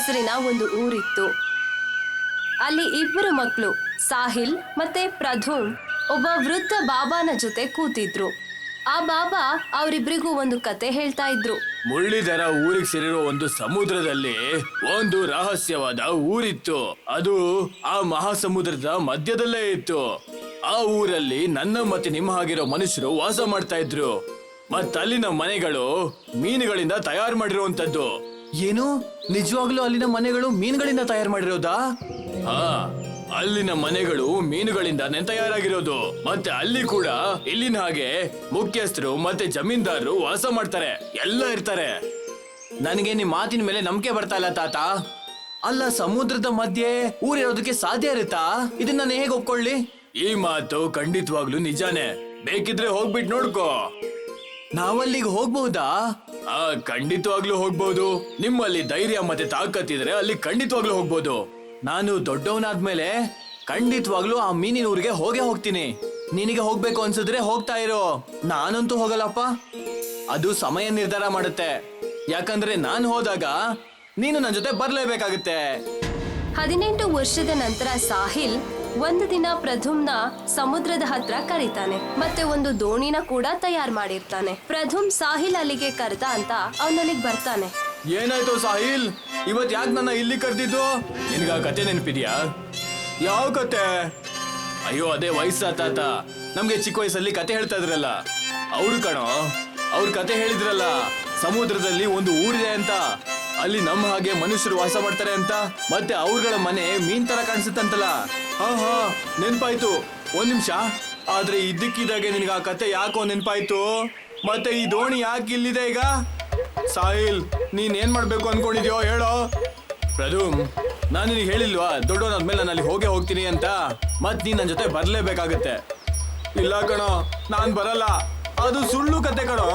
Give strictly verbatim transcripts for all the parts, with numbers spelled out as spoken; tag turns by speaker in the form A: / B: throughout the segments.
A: ಹೆಸರಿನ ಒಂದು ಊರಿತ್ತು. ಅಲ್ಲಿ ಇಬ್ಬರು ಮಕ್ಕಳು ಸಾಹಿಲ್ ಮತ್ತೆ ಪ್ರಧುಮ್ ಒಬ್ಬ ವೃದ್ಧ ಬಾಬಾನ ಜೊತೆ ಕೂತಿದ್ರು. ಆ ಬಾಬಾ ಅವರಿಬ್ರಿಗೂ ಒಂದು ಕತೆ ಹೇಳ್ತಾ ಇದ್ರು.
B: ಮುರಳೀಧರ ಊರಿಗೆ ಸೇರಿರೋ ಒಂದು ಸಮುದ್ರದಲ್ಲಿ ಒಂದು ರಹಸ್ಯವಾದ ಊರಿತ್ತು. ಅದು ಆ ಮಹಾಸಮುದ್ರದ ಮಧ್ಯದಲ್ಲೇ ಇತ್ತು. ಆ ಊರಲ್ಲಿ ನನ್ನ ಮತ್ತೆ ನಿಮ್ಮ ಹಾಗಿರೋ ಮನುಷ್ಯರು ವಾಸ ಮಾಡ್ತಾ ಇದ್ರು. ಮತ್ತಲ್ಲಿನ ಮನೆಗಳು ಮೀನುಗಳಿಂದ ತಯಾರು ಮಾಡಿರುವಂತದ್ದು. ಏನು, ನಿಜವಾಗ್ಲೂ ಅಲ್ಲಿನ ಮನೆಗಳು ಮೀನುಗಳಿಂದ ತಯಾರು ಮಾಡಿರೋದಾ? ಹಾ, ಅಲ್ಲಿನ ಮನೆಗಳು ಮೀನುಗಳಿಂದಾನೇ ತಯಾರಾಗಿರೋದು. ಮತ್ತೆ ಅಲ್ಲಿ ಕೂಡ ಇಲ್ಲಿನ ಹಾಗೆ ಮುಖ್ಯಸ್ಥರು ಮತ್ತೆ ಜಮೀನ್ದಾರರು ವಾಸ ಮಾಡ್ತಾರೆ, ಎಲ್ಲ ಇರ್ತಾರೆ. ನನಗೆ ನಿಮ್ ಮಾತಿನ ಮೇಲೆ ನಂಬಿಕೆ ಬರ್ತಾ ಇಲ್ಲ ತಾತ. ಅಲ್ಲ, ಸಮುದ್ರದ ಮಧ್ಯೆ ಊರಿರೋದಕ್ಕೆ ಸಾಧ್ಯ ಇರುತ್ತಾ? ಇದನ್ನ ನಾನು ಹೇಗೆ ಒಪ್ಕೊಳ್ಳಿ? ಈ ಮಾತು ಖಂಡಿತವಾಗ್ಲೂ ನಿಜಾನೇ. ಬೇಕಿದ್ರೆ ಹೋಗ್ಬಿಟ್ಟು ನೋಡ್ಕೋ. ನಾವಲ್ಲಿಗೆ ಹೋಗ್ಬಹುದಾ? ಆ ಖಂಡಿತವಾಗ್ಲೂ ಹೋಗ್ಬಹುದು. ನಿಮ್ಮಲ್ಲಿ ಧೈರ್ಯ ಮತ್ತೆ ತಾಕತ್ತಿದ್ರೆ ಅಲ್ಲಿ ಖಂಡಿತವಾಗ್ಲೂ ಹೋಗ್ಬಹುದು. ನಾನು ದೊಡ್ಡವನಾದ್ಮೇಲೆ ಖಂಡಿತವಾಗ್ಲೂ ಆ ಮೀನಿನ ಊರಿಗೆ ಹೋಗೇ ಹೋಗ್ತೀನಿ. ನಿನಗೆ ಹೋಗ್ಬೇಕು ಅನ್ಸಿದ್ರೆ ಹೋಗ್ತಾ ಇರೋ, ನಾನಂತೂ ಹೋಗಲ್ಲಪ್ಪ. ಅದು ಸಮಯ ನಿರ್ಧಾರ ಮಾಡುತ್ತೆ. ಯಾಕಂದ್ರೆ ನಾನು ಹೋದಾಗ ನೀನು ನನ್ನ ಜೊತೆ ಬರ್ಲೇಬೇಕಾಗುತ್ತೆ.
A: ಹದಿನೆಂಟು ವರ್ಷದ ನಂತರ ಸಾಹಿಲ್ ಒಂದು ದಿನ ಪ್ರಧುಮ್ನ ಸಮುದ್ರದ ಹತ್ರ ಕರೀತಾನೆ ಮತ್ತೆ ಒಂದು ದೋಣಿನ ಕೂಡ ತಯಾರು ಮಾಡಿರ್ತಾನೆ. ಪ್ರಧುಮ್ ಸಾಹಿಲ್ ಅಲ್ಲಿಗೆ ಕರೆದ ಅಂತ ಅವನಲ್ಲಿಗೆ ಬರ್ತಾನೆ.
B: ಏನಾಯ್ತು ಸಾಹಿಲ್, ಇವತ್ ಯಾಕೆ ನನ್ನ ಇಲ್ಲಿ ಕರೆದಿದ್ದು? ನಿನ್ಗ ಕತೆ ನೆನಪಿದ್ಯಾ? ಯಾವ ಕತೆ? ಅಯ್ಯೋ, ಅದೇ ವಯಸ್ಸ ತಾತ ನಮ್ಗೆ ಚಿಕ್ಕ ವಯಸ್ಸಲ್ಲಿ ಕತೆ ಹೇಳ್ತಾ ಇದ್ರಲ್ಲ ಅವ್ರು ಕಣೋ. ಅವ್ರ ಕತೆ ಹೇಳಿದ್ರಲ್ಲ, ಸಮುದ್ರದಲ್ಲಿ ಒಂದು ಊರಿದೆ ಅಂತ, ಅಲ್ಲಿ ನಮ್ಮ ಹಾಗೆ ಮನುಷ್ಯರು ವಾಸ ಮಾಡ್ತಾರೆ ಅಂತ, ಮತ್ತೆ ಅವ್ರಗಳ ಮನೆ ಮೀನ್ ತರ ಕಾಣಿಸುತ್ತಂತಲ್ಲ. ಹಾ ಹಾ ನೆನ್ಪಾಯ್ತು. ಒಂದ್ ನಿಮಿಷ. ಆದ್ರೆ ಇದ್ದಕ್ಕಿದ್ದಾಗೆ ನಿನ್ಗ ಆ ಕತೆ ಯಾಕೋ ನೆನ್ಪಾಯ್ತು. ಮತ್ತೆ ಈ ದೋಣಿ ಯಾಕೆ ಇಲ್ಲಿದೆ ಈಗ? ಸಾಹಿಲ್, ನೀನ್ ಏನ್ ಮಾಡ್ಬೇಕು ಅನ್ಕೊಂಡಿದ್ಯೋ ಹೇಳೋ. ಪ್ರಧುಮ್, ನಾನು ನಿನಗೆ ಹೇಳಿಲ್ವಾ ದೊಡ್ಡವನಾದ್ಮೇಲೆ ನಾನು ಅಲ್ಲಿ ಹೋಗೇ ಹೋಗ್ತೀನಿ ಅಂತ? ಮತ್ ನೀನ್ ನನ್ನ ಜೊತೆ ಬರ್ಲೇಬೇಕಾಗತ್ತೆ. ಇಲ್ಲ ಕಣೋ, ನಾನ್ ಬರಲ್ಲ. ಅದು ಸುಳ್ಳು ಕತೆ ಕಣೋ.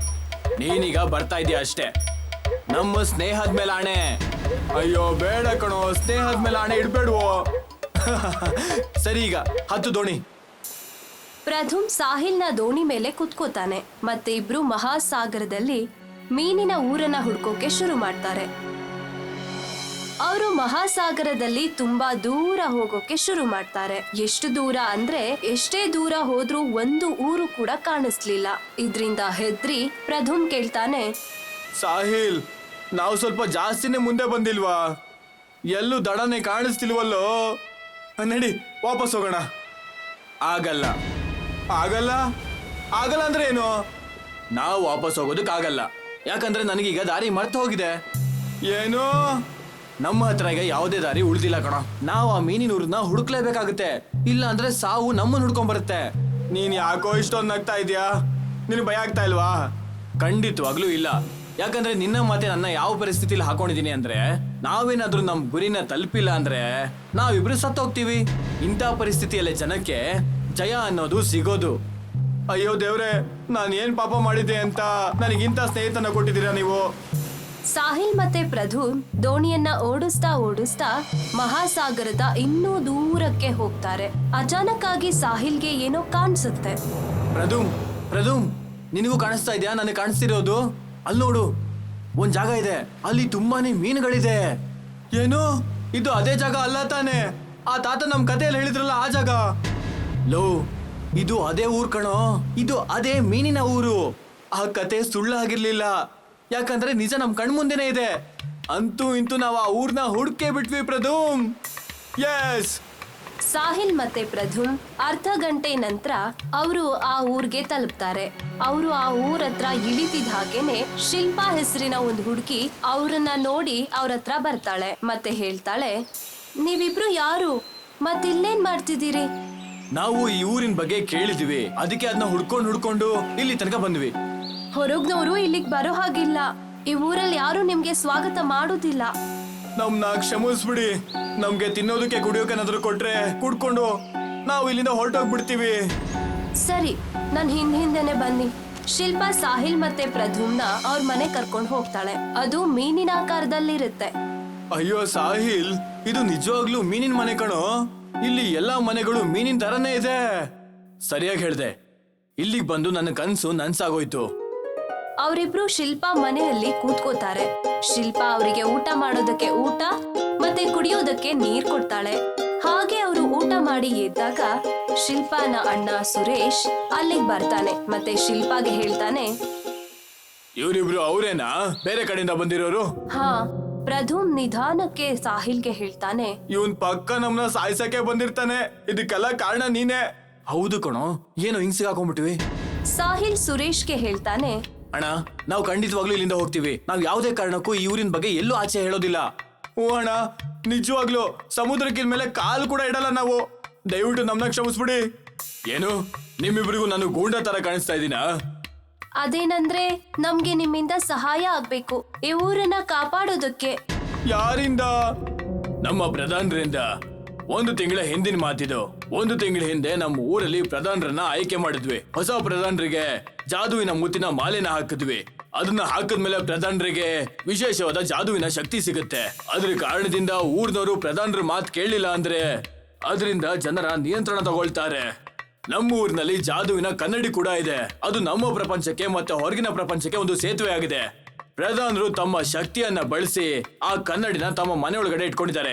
B: ನೀನೀಗ ಬರ್ತಾ ಇದೀಯ ಅಷ್ಟೇ. ನಮ್ಮ ಸ್ನೇಹದ ಮೇಲೆ ಆಣೆ. ಅಯ್ಯೋ ಬೇಡ ಕಣೋ, ಸ್ನೇಹದ ಮೇಲೆ ಆಣೆ ಇಡ್ಬೇಡ್ವೋ. ಸರಿ, ಈಗ ಹತ್ತು ದೋಣಿ.
A: ಪ್ರಧುಮ್ ಸಾಹಿಲ್ನ ದೋಣಿ ಮೇಲೆ ಕುತ್ಕೋತಾನೆ ಮತ್ತೆ ಇಬ್ರು ಮಹಾಸಾಗರದಲ್ಲಿ ಮೀನಿನ ಊರನ್ನ ಹುಡ್ಕೋಕೆ ಶುರು ಮಾಡ್ತಾರೆ. ಅವರು ಮಹಾಸಾಗರದಲ್ಲಿ ತುಂಬಾ ದೂರ ಹೋಗೋಕೆ ಶುರು ಮಾಡ್ತಾರೆ. ಎಷ್ಟು ದೂರ ಅಂದ್ರೆ ಎಷ್ಟೇ ದೂರ ಹೋದ್ರೂ ಒಂದು ಊರು ಕೂಡ ಕಾಣಿಸ್ಲಿಲ್ಲ. ಇದ್ರಿಂದ ಹೆದ್ರಿ ಪ್ರಧುಮ್ ಕೇಳ್ತಾನೆ,
B: ಸಾಹಿಲ್, ನಾವು ಸ್ವಲ್ಪ ಜಾಸ್ತಿನೇ ಮುಂದೆ ಬಂದಿಲ್ವಾ? ಎಲ್ಲೂ ದಡನೆ ಕಾಣಿಸ್ತಿಲ್ವಲ್ಲೋ. ನಡಿ ವಾಪಸ್ ಹೋಗೋಣ. ಆಗಲ್ಲ. ಆಗಲ್ಲ ಆಗಲ್ಲ ಅಂದ್ರೆ ಏನು? ನಾವು ವಾಪಸ್ ಹೋಗೋದಕ್ಕಾಗಲ್ಲ. ಯಾಕಂದ್ರೆ ನನಗೀಗ ದಾರಿ ಮರ್ತು ಹೋಗಿದೆ. ಏನು? ನಮ್ಮ ಹತ್ರ ಈಗ ಯಾವುದೇ ದಾರಿ ಉಳಿದಿಲ್ಲ ಕಣ. ನಾವು ಆ ಮೀನಿನೂರನ್ನ ಹುಡುಕ್ಲೇಬೇಕಾಗುತ್ತೆ. ಇಲ್ಲ ಅಂದ್ರೆ ಸಾವು ನಮ್ಮನ್ನ ಹುಡ್ಕೊಂಡ್ ಬರುತ್ತೆ. ನೀನ್ ಯಾಕೋ ಇಷ್ಟೊಂದು ನಗ್ತಾ ಇದೀಯಾ? ನಿನ್ ಭಯ ಆಗ್ತಾ ಇಲ್ವಾ? ಖಂಡಿತವಾಗ್ಲೂ ಇಲ್ಲ. ಯಾಕಂದ್ರೆ ನಿನ್ನ ಮತ್ತೆ ನನ್ನ ಯಾವ ಪರಿಸ್ಥಿತಿಲಿ ಹಾಕೊಂಡಿದೀನಿ ಅಂದ್ರೆ, ನಾವೇನಾದ್ರೂ ನಮ್ ಗುರಿನ ತಲುಪಿಲ್ಲ ಅಂದ್ರೆ ನಾವಿಬ್ರು ಸತ್ತೋಗ್ತೀವಿ. ಇಂಥ ಪರಿಸ್ಥಿತಿಯಲ್ಲೇ ಜನಕ್ಕೆ ಜಯ ಅನ್ನೋದು ಸಿಗೋದು. ಅಯ್ಯೋ ದೇವ್ರೆ, ನಾನು ಏನ್ ಪಾಪ ಮಾಡಿದ್ದೆ ಅಂತ ನನಗಿಂತ ಸ್ನೇಹಿತನ ಕೊಟ್ಟಿದ್ದೀರಾ ನೀವು?
A: ಸಾಹಿಲ್ ಮತ್ತೆ ಪ್ರಧುಮ್ ದೋಣಿಯನ್ನ ಓಡಿಸ್ತಾ ಓಡಿಸ್ತಾ ಮಹಾಸಾಗರದ ಇನ್ನೂ ದೂರಕ್ಕೆ ಹೋಗ್ತಾರೆ. ಅಚಾನಕ್ ಆಗಿ ಸಾಹಿಲ್ಗೆ ಏನೋ ಕಾಣಿಸುತ್ತೆ.
B: ಪ್ರಧುಮ್, ಪ್ರಧುಮ್, ನಿನಗೂ ಕಾಣಿಸ್ತಾ ಇದೆಯಾ? ನನಗೆ ಕಾಣಿಸ್ತಿರೋದು ಅಲ್ಲಿ ನೋಡು, ಒಂದ್ ಜಾಗ ಇದೆ. ಅಲ್ಲಿ ತುಂಬಾನೇ ಮೀನುಗಳಿದೆ. ಏನು? ಇದು ಅದೇ ಜಾಗ ಅಲ್ಲ ತಾನೆ? ಆ ತಾತ ನಮ್ ಕಥೆಯಲ್ಲಿ ಹೇಳಿದ್ರಲ್ಲ ಆ ಜಾಗ. ಲೋ, ಇದು ಅದೇ ಊರ್ ಕಣೋ. ಇದು ಅದೇ ಮೀನಿನ ಊರು. ಆ ಕತೆ ಸುಳ್ಳಾಗಿರ್ಲಿಲ್ಲ. ಯಾಕಂದ್ರೆ ನಿಜ ನಮ್ ಕಣ್ಮುಂದೆನೇ ಇದೆ. ಅಂತೂ ಇಂತೂ ನಾವು ಆ ಊರ್ನ ಹುಡ್ಕೇ ಬಿಟ್ವಿ ಪ್ರಧುಮ್. ಎಸ್.
A: ಸಾಹಿಲ್ ಮತ್ತೆ ಪ್ರಧುಮ್ ಅರ್ಧ ಗಂಟೆ ನಂತರ ಅವರು ಆ ಊರ್ಗೆ ತಲುಪ್ತಾರೆ. ಅವರು ಆ ಊರ ಹತ್ರ ಇಳಿತಿದ ಹಾಗೇನೆ ಶಿಲ್ಪಾ ಹೆಸರಿನ ಒಂದು ಹುಡುಗಿ ಅವ್ರನ್ನ ನೋಡಿ ಅವ್ರ ಹತ್ರ ಬರ್ತಾಳೆ ಮತ್ತೆ ಹೇಳ್ತಾಳೆ, ನೀವಿಬ್ರು ಯಾರು? ಮತ್ತಿಲ್ಲೇನ್ ಮಾಡ್ತಿದ್ದೀರಿ?
B: ನಾವು ಈ ಊರಿನ ಬಗ್ಗೆ ಕೇಳಿದ್ವಿ, ಅದಕ್ಕೆ ಅದನ್ನ ಹುಡ್ಕೊಂಡು ಹುಡ್ಕೊಂಡು ಇಲ್ಲಿ ತನಕ ಬಂದ್ವಿ.
A: ಹೊರಗ್ನವರು ಇಲ್ಲಿಗ್ ಬರೋ ಹಾಗಿಲ್ಲ. ಈ ಊರಲ್ಲಿ ಯಾರು ನಿಮ್ಗೆ ಸ್ವಾಗತ ಮಾಡೋದಿಲ್ಲ.
B: ನಮ್ನ ಕ್ಷಮಿಸ್ಬಿಡಿ. ನಮ್ಗೆ ತಿನ್ನೋದಕ್ಕೆ ಕುಡಿಯೋಕೆನಾದ್ರು ಕೊಟ್ರೆ ಕುಡ್ಕೊಂಡು ನಾವು ಇಲ್ಲಿಂದ ಹೊರಟೋಗ್ಬಿಡ್ತೀವಿ.
A: ಸರಿ, ನನ್ ಹಿಂದ್ ಹಿಂದೆನೆ ಬನ್ನಿ. ಶಿಲ್ಪಾ ಸಾಹಿಲ್ ಮತ್ತೆ ಪ್ರಧುಮ್ನ ಅವ್ರ ಮನೆ ಕರ್ಕೊಂಡು ಹೋಗ್ತಾಳೆ. ಅದು ಮೀನಿನ ಆಕಾರದಲ್ಲಿರುತ್ತೆ.
B: ಅಯ್ಯೋ ಸಾಹಿಲ್, ಇದು ನಿಜವಾಗ್ಲೂ ಮೀನಿನ ಮನೆ ಕಣೋ. ಇಲ್ಲಿ ಎಲ್ಲಾ ಮನೆಗಳು ಮೀನಿನ ತರನೇ ಇದೆ. ಸರಿಯಾಗಿ ಹೇಳ್ದೆ. ಇಲ್ಲಿಗೆ ಬಂದು ನನ್ನ ಕನ್ಸು ನನ್ಸಾಗೋಯ್ತು.
A: ಅವರಿಬ್ರು ಶಿಲ್ಪಾ ಮನೆಯಲ್ಲಿ ಕೂತ್ಕೋತಾರೆ. ಶಿಲ್ಪಾ ಅವರಿಗೆ ಊಟ ಮಾಡೋದಕ್ಕೆ ಊಟ ಮತ್ತೆ ಕುಡಿಯೋದಕ್ಕೆ ನೀರ್ ಕೊಡ್ತಾಳೆ. ಹಾಗೆ ಅವರು ಊಟ ಮಾಡಿ ಎದ್ದಾಗ ಶಿಲ್ಪಾನ ಅಣ್ಣ ಸುರೇಶ್ ಅಲ್ಲಿಗೆ ಬರ್ತಾನೆ ಮತ್ತೆ ಶಿಲ್ಪಾಗೆ ಹೇಳ್ತಾನೆ,
B: ಇವರಿಬ್ರು ಅವರೇನಾ ಬೇರೆ ಕಡೆಯಿಂದ ಬಂದಿರೋರು?
A: ಹಾ. ಪ್ರಧುಮ್ ನಿಧಾನಕ್ಕೆ ಸಾಹಿಲ್ಗೆ ಹೇಳ್ತಾನೆ,
B: ಇವನ್ ಪಕ್ಕ ನಮ್ನ ಸಾಯ್ಸಕ್ಕೆ ಬಂದಿರ್ತಾನೆ. ಇದಕ್ಕೆಲ್ಲ ಕಾರಣ ನೀನೇ. ಹೌದು ಕಣೋ, ಏನೋ ಹಿಂಗ್ ಸಿಗಾಕೊಂಡ್ಬಿಟ್ವಿ.
A: ಸಾಹಿಲ್ ಸುರೇಶ್ಗೆ ಹೇಳ್ತಾನೆ,
B: ಅಣ್ಣ ನಾವು ಖಂಡಿತವಾಗ್ಲೂ ಇಲ್ಲಿಂದ ಹೋಗ್ತೀವಿ. ನಾವ್ ಯಾವುದೇ ಕಾರಣಕ್ಕೂ ಈ ಊರಿನ ಬಗ್ಗೆ ಎಲ್ಲೂ ಆಚೆ ಹೇಳೋದಿಲ್ಲ. ಓ ಅಣ್ಣ, ನಿಜವಾಗ್ಲು ಸಮುದ್ರಕ್ಕಿನ ಮೇಲೆ ಕಾಲ್ ಕೂಡ ಇಡಲ್ಲ ನಾವು. ದಯವಿಟ್ಟು ನಮ್ನ ಕ್ಷಮಿಸ್ಬಿಡಿ. ಏನು ನಿಮ್ಮಿಬ್ರಿಗೂ ನಾನು ಗೂಂಡ ತರ ಕಾಣಿಸ್ತಾ ಇದ್ದೀನಾ?
A: ಅದೇನಂದ್ರೆ ನಮ್ಗೆ ನಿಮ್ಮಿಂದ ಸಹಾಯ ಆಗ್ಬೇಕು, ಈ ಊರನ್ನ ಕಾಪಾಡೋದಕ್ಕೆ.
B: ಯಾರಿಂದ? ನಮ್ಮ ಪ್ರಧಾನರಿಂದ. ಒಂದು ತಿಂಗಳ ಹಿಂದಿನ ಮಾತಿದು. ಒಂದು ತಿಂಗಳ ಹಿಂದೆ ನಮ್ಮ ಊರಲ್ಲಿ ಪ್ರಧಾನರನ್ನ ಆಯ್ಕೆ ಮಾಡಿದ್ವಿ. ಹೊಸ ಪ್ರಧಾನರಿಗೆ ಜಾದುವಿನ ಮುತ್ತಿನ ಮಾಲೆನ ಹಾಕಿದ್ವಿ. ಅದನ್ನ ಹಾಕಿದ್ಮೇಲೆ ಪ್ರಧಾನರಿಗೆ ವಿಶೇಷವಾದ ಜಾದುವಿನ ಶಕ್ತಿ ಸಿಗುತ್ತೆ. ಅದ್ರ ಕಾರಣದಿಂದ ಊರ್ನವರು ಪ್ರಧಾನರ ಮಾತು ಕೇಳಲಿಲ್ಲ ಅಂದ್ರೆ ಅದರಿಂದ ಜನರ ನಿಯಂತ್ರಣ ತಗೊಳ್ತಾರೆ. ನಮ್ಮ ಊರಿನಲ್ಲಿ ಜಾದುವಿನ ಕನ್ನಡಿ ಕೂಡ ಇದೆ. ಅದು ನಮ್ಮ ಪ್ರಪಂಚಕ್ಕೆ ಮತ್ತೆ ಹೊರಗಿನ ಪ್ರಪಂಚಕ್ಕೆ ಒಂದು ಸೇತುವೆ ಆಗಿದೆ. ಪ್ರಧಾನರು ತಮ್ಮ ಶಕ್ತಿಯನ್ನ ಬಳಸಿ ಆ ಕನ್ನಡಿನ ತಮ್ಮ ಮನೆಯೊಳಗಡೆ ಇಟ್ಕೊಂಡಿದ್ದಾರೆ.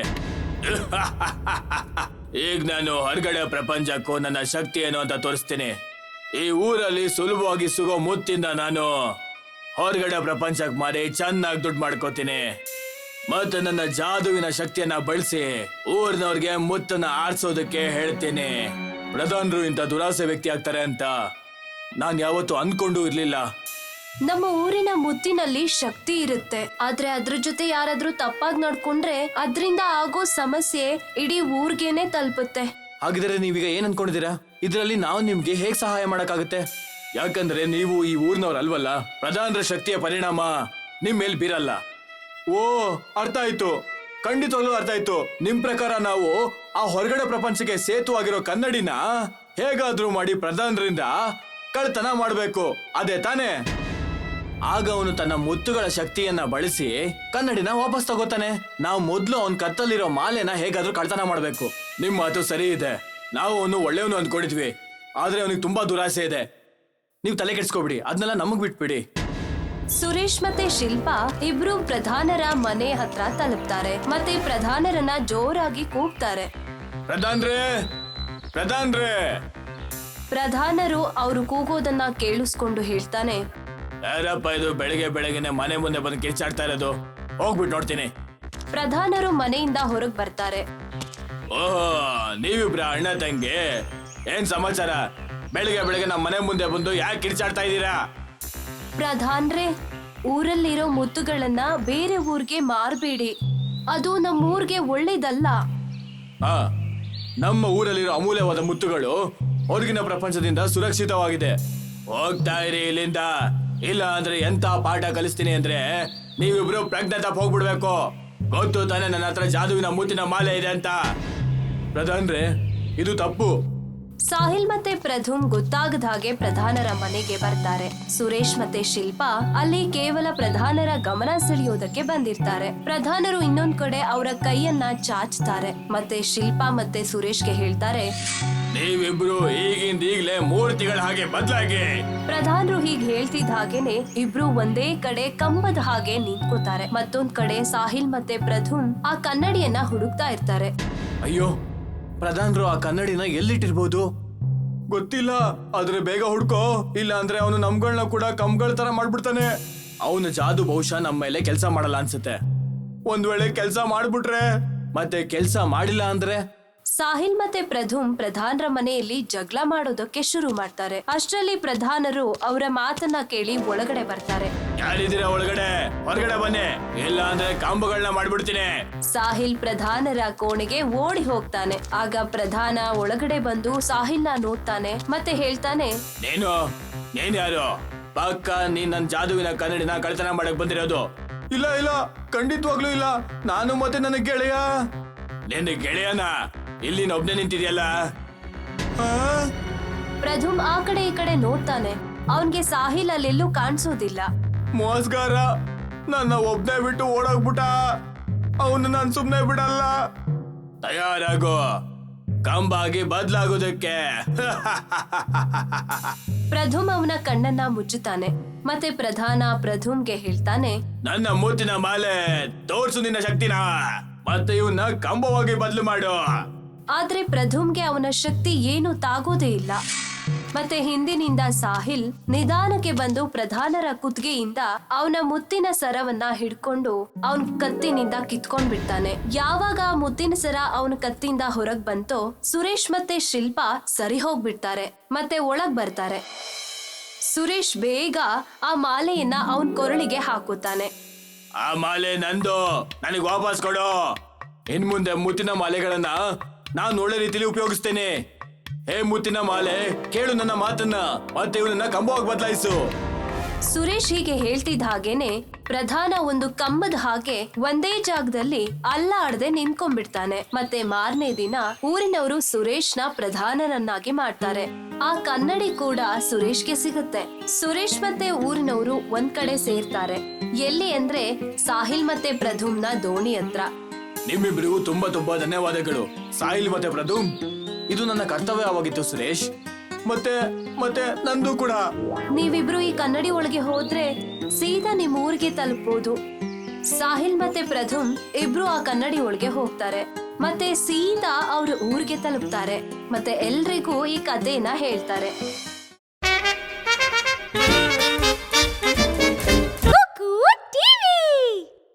B: ಈಗ ನಾನು ಹೊರಗಡೆ ಪ್ರಪಂಚಕ್ಕೂ ನನ್ನ ಶಕ್ತಿ ಏನು ಅಂತ ತೋರಿಸ್ತೀನಿ. ಈ ಊರಲ್ಲಿ ಸುಲಭವಾಗಿ ಸಿಗೋ ಮುತ್ತಿಂದ ನಾನು ಹೊರಗಡೆ ಪ್ರಪಂಚಕ್ಕೆ ಮಾರಿ ಚೆನ್ನಾಗಿ ದುಡ್ಡು ಮಾಡ್ಕೋತೀನಿ. ಮತ್ತೆ ನನ್ನ ಜಾದುವಿನ ಶಕ್ತಿಯನ್ನ ಬಳಸಿ ಊರಿನವ್ರಿಗೆ ಮುತ್ತನ್ನ ಆರಿಸೋದಕ್ಕೆ ಹೇಳ್ತೀನಿ. ಪ್ರಧಾನರು ಇಂಥ ದುರಾಸೆ ವ್ಯಕ್ತಿ ಆಗ್ತಾರೆ ಅಂತ ನಾನ್ ಯಾವತ್ತೂ ಅನ್ಕೊಂಡು ಇರ್ಲಿಲ್ಲ.
A: ನಮ್ಮ ಊರಿನ ಮುತ್ತಿನಲ್ಲಿ ಶಕ್ತಿ ಇರುತ್ತೆ, ಆದ್ರೆ ಅದ್ರ ಜೊತೆ ಯಾರಾದ್ರೂ ತಪ್ಪಾಗಿ ನಡ್ಕೊಂಡ್ರೆ ಅದ್ರಿಂದ ಆಗೋ ಸಮಸ್ಯೆ ಇಡೀ ಊರ್ಗೇನೆ ತಲುಪುತ್ತೆ.
B: ಹಾಗಿದ್ರೆ ನೀವೀಗ ಏನ್ ಅನ್ಕೊಂಡಿದ್ದೀರಾ? ಇದರಲ್ಲಿ ನಾವು ನಿಮ್ಗೆ ಹೇಗ್ ಸಹಾಯ ಮಾಡಕ್ಕಾಗುತ್ತೆ? ಯಾಕಂದ್ರೆ ನೀವು ಈ ಊರಿನವ್ರು ಅಲ್ವಲ್ಲ. ಪ್ರಧಾನರ ಶಕ್ತಿಯ ಪರಿಣಾಮ ನಿಮ್ ಮೇಲ್ ಬೀರಲ್ಲ. ಓ, ಅರ್ಥ ಆಯ್ತು, ಖಂಡಿತವಾಗ್ಲೂ ಅರ್ಥ ಆಯ್ತು. ನಿಮ್ ಪ್ರಕಾರ ನಾವು ಆ ಹೊರಗಡೆ ಪ್ರಪಂಚಕ್ಕೆ ಸೇತು ಆಗಿರೋ ಕನ್ನಡಿನ ಹೇಗಾದ್ರೂ ಮಾಡಿ ಪ್ರಧಾನರಿಂದ ಕಳ್ತನ ಮಾಡ್ಬೇಕು, ಅದೇ ತಾನೇ? ಆಗ ಅವನು ತನ್ನ ಮುತ್ತುಗಳ ಶಕ್ತಿಯನ್ನ ಬಳಸಿ ಕನ್ನಡಿನ ವಾಪಸ್ ತಗೋತಾನೆ. ನಾವು ಮೊದ್ಲು ಅವನ್ ಕತ್ತಲ್ಲಿರೋ ಮಾಲೆನ ಹೇಗಾದ್ರೂ ಕಳ್ತನ ಮಾಡ್ಬೇಕು. ನಿಮ್ ಮಾತು ಸರಿ ಇದೆ. ನಾವು ಅವನು ಒಳ್ಳೆಯವನು ಅಂದ್ಕೊಂಡಿದ್ವಿ, ಆದ್ರೆ ಅವನಿಗೆ ತುಂಬಾ ದುರಾಸೆ ಇದೆ. ನೀವು ತಲೆ ಕೆಡ್ಸ್ಕೊಬಿಡಿ, ಅದನ್ನೆಲ್ಲ ನಮಗ್ ಬಿಟ್ಬಿಡಿ.
A: ಸುರೇಶ್ ಮತ್ತೆ ಶಿಲ್ಪಾ ಇಬ್ರು ಪ್ರಧಾನರ ಮನೆ ಹತ್ರ ತಲುಪ್ತಾರೆ ಮತ್ತೆ ಪ್ರಧಾನರನ್ನ ಜೋರಾಗಿ ಕೂಗ್ತಾರೆ,
B: ಪ್ರಧಾನ್ರೇ, ಪ್ರಧಾನ್ರೇ.
A: ಪ್ರಧಾನರು ಅವರು ಕೂಗೋದನ್ನ ಕೇಳಿಸ್ಕೊಂಡು ಹೇಳ್ತಾನೆ,
B: ಯಾರಪ್ಪ ಇದು ಬೆಳಗ್ಗೆ ಬೆಳಗ್ಗೆನೆ ಮನೆ ಮುಂದೆ ಬಂದು ಕಿರ್ಚಾಡ್ತಾ ಇರೋದು? ಹೋಗ್ಬಿಟ್ಟು ನೋಡ್ತೀನಿ.
A: ಪ್ರಧಾನರು ಮನೆಯಿಂದ ಹೊರಗ್ ಬರ್ತಾರೆ.
B: ಓಹೋ, ನೀವಿಬ್ರ ಅಣ್ಣ ತಂಗಿ, ಏನ್ ಸಮಾಚಾರ? ಬೆಳಿಗ್ಗೆ ಬೆಳಗ್ಗೆ ನಮ್ಮ ಮನೆ ಮುಂದೆ ಬಂದು ಯಾಕೆ ಕಿರ್ಚಾಡ್ತಾ ಇದ್ದೀರಾ?
A: ಪ್ರಧಾನ್ರೇ, ಊರಲ್ಲಿರೋ ಮುತ್ತುಗಳನ್ನ ಬೇರೆ ಊರ್ಗೆ ಮಾರ್ಬೇಡಿ, ಅದು ನಮ್ಮೂರ್ಗೆ ಒಳ್ಳೇದಲ್ಲ.
B: ಹಾ, ನಮ್ಮ ಊರಲ್ಲಿರೋ ಅಮೂಲ್ಯವಾದ ಮುತ್ತುಗಳು ಹೊರಗಿನ ಪ್ರಪಂಚದಿಂದ ಸುರಕ್ಷಿತವಾಗಿದೆ. ಹೋಗ್ತಾ ಇರಿ ಇಲ್ಲಿಂದ, ಇಲ್ಲ ಅಂದ್ರೆ ಎಂತ ಪಾಠ ಕಲಿಸ್ತೀನಿ ಅಂದ್ರೆ ನೀವಿಬ್ರು ಪ್ರಜ್ಞೆ ತಪ್ಪ ಹೋಗ್ಬಿಡ್ಬೇಕು. ಗೊತ್ತು ತಾನೆ ನನ್ನ ಹತ್ರ ಜಾದುವಿನ ಮುತ್ತಿನ ಮಾಲೆ ಇದೆ ಅಂತ. ಪ್ರಧಾನ್ರೇ, ಇದು ತಪ್ಪು.
A: ಸಾಹಿಲ್ ಮತ್ತೆ ಪ್ರಧುಮ್ ಗೊತ್ತಾಗದ ಹಾಗೆ ಪ್ರಧಾನರ ಮನೆಗೆ ಬರ್ತಾರೆ. ಸುರೇಶ್ ಮತ್ತೆ ಶಿಲ್ಪಾ ಅಲ್ಲಿ ಕೇವಲ ಪ್ರಧಾನರ ಗಮನ ಸೆಳೆಯೋದಕ್ಕೆ ಬಂದಿರ್ತಾರೆ. ಪ್ರಧಾನರು ಇನ್ನೊಂದ್ ಕಡೆ ಅವರ ಕೈಯನ್ನ ಚಾಚ್ತಾರೆ ಮತ್ತೆ ಶಿಲ್ಪಾ ಮತ್ತೆ ಸುರೇಶ್ಗೆ ಹೇಳ್ತಾರೆ,
B: ನೀವಿಬ್ರು ಈಗಿಂದ ಈಗ್ಲೇ ಮೂರ್ತಿಗಳ ಹಾಗೆ ಬದಲಾಗಿ.
A: ಪ್ರಧಾನರು ಹೀಗ್ ಹೇಳ್ತಿದ್ದ ಹಾಗೇನೆ ಇಬ್ರು ಒಂದೇ ಕಡೆ ಕಂಬದ ಹಾಗೆ ನಿಂತ್ಕೋತಾರೆ. ಮತ್ತೊಂದ್ ಕಡೆ ಸಾಹಿಲ್ ಮತ್ತೆ ಪ್ರಧುಮ್ ಆ ಕನ್ನಡಿಯನ್ನ ಹುಡುಕ್ತಾ ಇರ್ತಾರೆ.
B: ಅಯ್ಯೋ, ಪ್ರಧಾನರು ಆ ಕನ್ನಡಿನ ಎಲ್ಲಿಟ್ಟಿರ್ಬೋದು ಗೊತ್ತಿಲ್ಲ. ಆದ್ರೆ ಬೇಗ ಹುಡ್ಕೋ, ಇಲ್ಲ ಅಂದ್ರೆ ಅವನು ನಮ್ಗಳನ್ನ ಕೂಡ ಕಂಬಗಳ ತರ ಮಾಡ್ಬಿಡ್ತಾನೆ. ಅವನ ಜಾದು ಬಹುಶಃ ನಮ್ಮ ಮೇಲೆ ಕೆಲಸ ಮಾಡಲ್ಲ ಅನ್ಸುತ್ತೆ. ಒಂದ್ ವೇಳೆ ಕೆಲಸ ಮಾಡ್ಬಿಟ್ರೆ, ಮತ್ತೆ ಕೆಲಸ ಮಾಡಿಲ್ಲ ಅಂದ್ರೆ?
A: ಸಾಹಿಲ್ ಮತ್ತೆ ಪ್ರಧುಮ್ ಪ್ರಧಾನರ ಮನೆಯಲ್ಲಿ ಜಗಳ ಮಾಡೋದಕ್ಕೆ ಶುರು ಮಾಡ್ತಾರೆ. ಅಷ್ಟರಲ್ಲಿ ಪ್ರಧಾನರು ಅವರ ಮಾತನ್ನ ಕೇಳಿ ಒಳಗಡೆ ಬರ್ತಾರೆ.
B: ಯಾರಿದ್ದೀರಾ ಒಳಗಡೆ? ಹೊರಗಡೆ ಬನ್ನಿ, ಇಲ್ಲ ಅಂದ್ರೆ ಕಾಂಬಗಳನ್ನ ಮಾಡ್ಬಿಡ್ತೀನಿ.
A: ಸಾಹಿಲ್ ಪ್ರಧಾನರ ಕೋಣೆಗೆ ಓಡಿ ಹೋಗ್ತಾನೆ. ಆಗ ಪ್ರಧಾನ ಒಳಗಡೆ ಬಂದು ಸಾಹಿಲ್ನ ನೋಡ್ತಾನೆ ಮತ್ತೆ ಹೇಳ್ತಾನೆ,
B: ನೀನು ನೀನ್ ಯಾರು? ಪಕ್ಕ ನೀನ್ ನನ್ ಜಾದುವಿನ ಕನ್ನಡಿನ ಕಳ್ತನ ಮಾಡಕ್ ಬಂದಿರೋದು? ಇಲ್ಲ ಇಲ್ಲ, ಖಂಡಿತವಾಗ್ಲೂ ಇಲ್ಲ. ನಾನು ಮತ್ತೆ ನನ್ನ ಗೆಳೆಯ. ನಿನ್ನ ಗೆಳೆಯನ ಇಲ್ಲಿ ಒಬ್ನೇ ನಿಂತಿದ್ಯಲ್ಲ?
A: ಪ್ರಧುಮ್ ಆ ಕಡೆ ಈ ಕಡೆ ನೋಡ್ತಾನೆ. ಅವನ್ಗೆ ಸಾಹಿಲ್ ಅಲ್ಲೆಲ್ಲೂ ಕಾಣಿಸೋದಿಲ್ಲ.
B: ಮೋಸ್ಗಾರ ನನ್ನ ಒಬ್ನೇ ಬಿಟ್ಟು ಓಡೋಗ್ಬಿಟ್ಟ. ಅವನು ನಾನ್ ಸುಮ್ನೆ ಬಿಡಲ್ಲ. ತಯಾರಾಗೋ, ಕಂಬಾಗಿ ಬದ್ಲಾಗೋದಕ್ಕೆ.
A: ಪ್ರಧುಮ್ ಅವನ ಕಣ್ಣನ್ನ ಮುಚ್ಚುತ್ತಾನೆ ಮತ್ತೆ ಪ್ರಧಾನ ಪ್ರಧುಮ್ಗೆ ಹೇಳ್ತಾನೆ,
B: ನನ್ನ ಮೂತಿನ ಮಾಲೆ ತೋರ್ಸು ನಿನ್ನ ಶಕ್ತಿನ, ಮತ್ತೆ ಇವನ್ನ ಕಂಬವಾಗಿ ಬದಲು ಮಾಡು.
A: ಆದ್ರೆ ಪ್ರಧುಮ್ಗೆ ಅವನ ಶಕ್ತಿ ಏನು ತಾಗೋದೇ ಇಲ್ಲ. ಮತ್ತೆ ಹಿಂದಿನಿಂದ ಸಾಹಿಲ್ ನಿಧಾನಕ್ಕೆ ಬಂದು ಪ್ರಧಾನರ ಕುತ್ತಿಗೆಯಿಂದ ಅವನ ಮುತ್ತಿನ ಸರವನ್ನ ಹಿಡ್ಕೊಂಡು ಅವನ್ ಕತ್ತಿನಿಂದ ಕಿತ್ಕೊಂಡ್ ಬಿಡ್ತಾನೆ. ಯಾವಾಗ ಆ ಮುತ್ತಿನ ಸರ ಅವನ ಕತ್ತಿಂದ ಹೊರಗ್ ಬಂತೋ ಸುರೇಶ್ ಮತ್ತೆ ಶಿಲ್ಪಾ ಸರಿ ಹೋಗ್ಬಿಡ್ತಾರೆ ಮತ್ತೆ ಒಳಗ್ ಬರ್ತಾರೆ. ಸುರೇಶ್ ಬೇಗ ಆ ಮಾಲೆಯನ್ನ ಅವನ್ ಕೊರಳಿಗೆ ಹಾಕುತ್ತಾನೆ.
B: ಆ ಮಾಲೆ ನಂದು, ನನಗೆ ವಾಪಸ್ ಕೊಡು. ಇನ್ ಮುಂದೆ ಮುತ್ತಿನ ಮಾಲೆಗಳನ್ನ ನಾನು ಒಳ್ಳೆ ರೀತಿಯಲ್ಲಿ ಉಪಯೋಗಿಸ್ತೇನೆ. ಹೇ ಮುತ್ತಿನ ಮಾಲೆ, ಕೇಳು ನನ್ನ ಮಾತನ್ನ, ಮತ್ತೆ ಇವನನ್ನ ಕಂಬವಾಗಿ ಬದಲಾಯಿಸು.
A: ಸುರೇಶ್ ಹೀಗೆ ಹೇಳ್ತಿದ್ದ ಹಾಗೇನೆ ಪ್ರಧಾನ ಒಂದು ಕಂಬದ ಹಾಗೆ ಒಂದೇ ಜಾಗದಲ್ಲಿ ಅಲ್ಲಾಡದೆ ನಿಂತ್ಕೊಂಡ್ಬಿಡ್ತಾನೆ. ಮತ್ತೆ ಮಾರನೇ ದಿನ ಊರಿನವರು ಸುರೇಶ್ನ ಪ್ರಧಾನನನ್ನಾಗಿ ಮಾಡ್ತಾರೆ. ಆ ಕನ್ನಡಿ ಕೂಡ ಸುರೇಶ್ಗೆ ಸಿಗುತ್ತೆ. ಸುರೇಶ್ ಮತ್ತೆ ಊರಿನವರು ಒಂದ್ ಕಡೆ ಸೇರ್ತಾರೆ. ಎಲ್ಲಿ ಅಂದ್ರೆ ಸಾಹಿಲ್ ಮತ್ತೆ ಪ್ರಧುಮ್ನ ದೋಣಿ ಹತ್ರ.
B: ನಿಮ್ಮಿಬ್ರಿಗೂ ತುಂಬಾ ತುಂಬಾ ಧನ್ಯವಾದಗಳು ಸಾಹಿಲ್ ಮತ್ತೆ ಪ್ರಧುಮ್. ಇದು ನನ್ನ ಕರ್ತವ್ಯವಾಗಿತ್ತು ಸುರೇಶ್, ಮತ್ತೆ ಮತ್ತೆ ನಂದು ಕೂಡ.
A: ನೀವಿಬ್ರು ಈ ಕನ್ನಡಿ ಒಳಗೆ ಹೋದ್ರೆ ಸೀದಾ ನಿಮ್ ಊರಿಗೆ ತಲುಪಬಹುದು. ಸಾಹಿಲ್ ಮತ್ತೆ ಪ್ರಧುಮ್ ಇಬ್ರು ಆ ಕನ್ನಡಿ ಒಳಗೆ ಹೋಗ್ತಾರೆ ಮತ್ತೆ ಸೀದಾ ಅವ್ರ ಊರಿಗೆ ತಲುಪ್ತಾರೆ ಮತ್ತೆ ಎಲ್ರಿಗೂ ಈ ಕಥೆನ ಹೇಳ್ತಾರೆ.